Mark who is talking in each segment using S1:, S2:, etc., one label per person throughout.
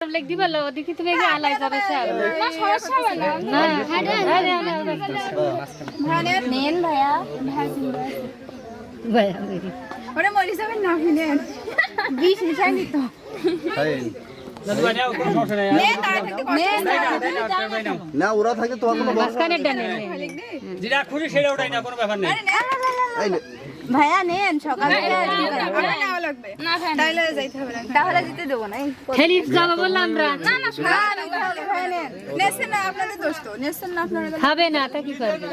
S1: লেখ দিবা লো দেখি তুমি কি আলাই যাবে স্যার
S2: না সমস্যা হবে না নেন ভাইয়া
S1: ভাইয়া মেরি
S2: ওরে মরি যাবেন না ভিনেন বিশ নিশাই নিত
S3: না ওরা থাকে তোমার কোনো
S1: মাঝখানে ডানে
S4: যেটা খুশি সেটা ওটাই না কোনো ব্যাপার নেই
S2: ভাইয়া নেন সকালে তাহলে দিতে দেবো না
S1: খেলি যাবো বললাম আমরা খাবে না তা কি করবে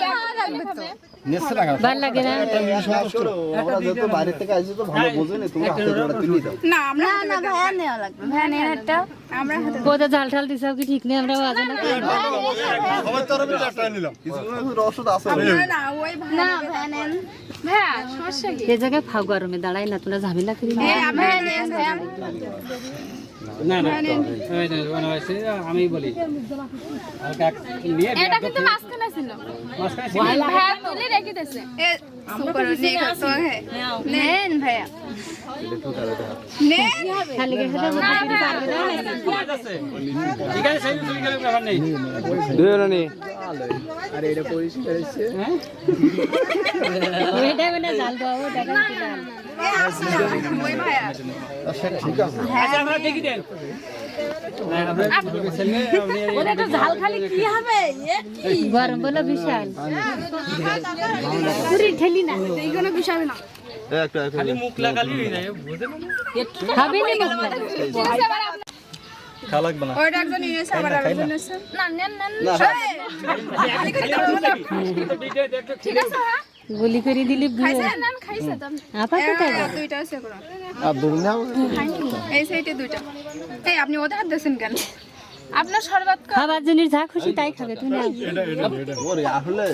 S1: ভাল লাগে না
S3: ওরা যেহেতু বাইরে থেকে আসছে তো ভালো বোঝে না তুমি হাতে ধরে তুলে দাও
S2: না ভাইয়া নেওয়া লাগবে ভাইয়া নেন একটা আমরা
S1: কোথা জাল ঠাল দিছাও কি ঠিক নেই আমরা বাজে না
S3: সবাই তরফে চারটা নিলাম কিছু ওষুধ আছে
S2: না ভাইয়া নেন ভাইয়া সমস্যা কি
S1: এই জায়গায় ফাউ গরমে দাঁড়াই না তোমরা ঝামেলা করি না
S2: ভাইয়া নেন ভাইয়া
S4: না না ওই না ওনা হইছে আমি বলি হালকা নিয়ে
S2: এটা কিন্তু মাঝখানে ছিল
S4: মাঝখানে
S2: ভাইয়া তুলে রেখে দিয়েছে এ সুপার নেই কত হে নেন ভাইয়া নেন
S1: খালি গেছে তো বুঝতে পারবে না
S4: আছে ঠিক আছে সেই তুমি গেলে ব্যাপার নেই
S3: দেওরানি
S1: ওইটা বলে জাল দাও টাকা দিলাম
S2: ওই ভাইয়া
S4: আচ্ছা আমরা দেখি দেন
S2: ওটা তো ঝাল খালি কি হবে
S1: গরম বলে বিশাল পুরি ঠেলি না
S2: এইগুলো বিষাবে না
S3: একটা
S4: খালি মুখ লাগালি হয়ে যায় বুঝেন
S1: খাবে না
S3: খা লাগবে না
S2: ওইটা একজন ইনেছে আবার আরেকজন ইনেছে না নেন নেন ঠিক আছে হ্যাঁ
S1: গুলি করে দিলি
S2: খাইছে নেন খাইছে তো
S1: আপা কোথায়
S2: দুইটা আছে করো
S3: আর দূর নাও
S2: এই সাইডে দুইটা এই আপনি ওদের হাত দিয়েছেন কেন আপনার শরবত
S1: খাবার জিনিস যা খুশি তাই খাবে তুমি নাও
S3: ওরে আসলে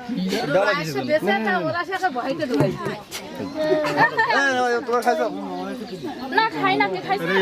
S2: ওরা সে ভয়তে দৌড়াইছে
S3: তোমার খাইছো
S2: না খাই না কে খাইছে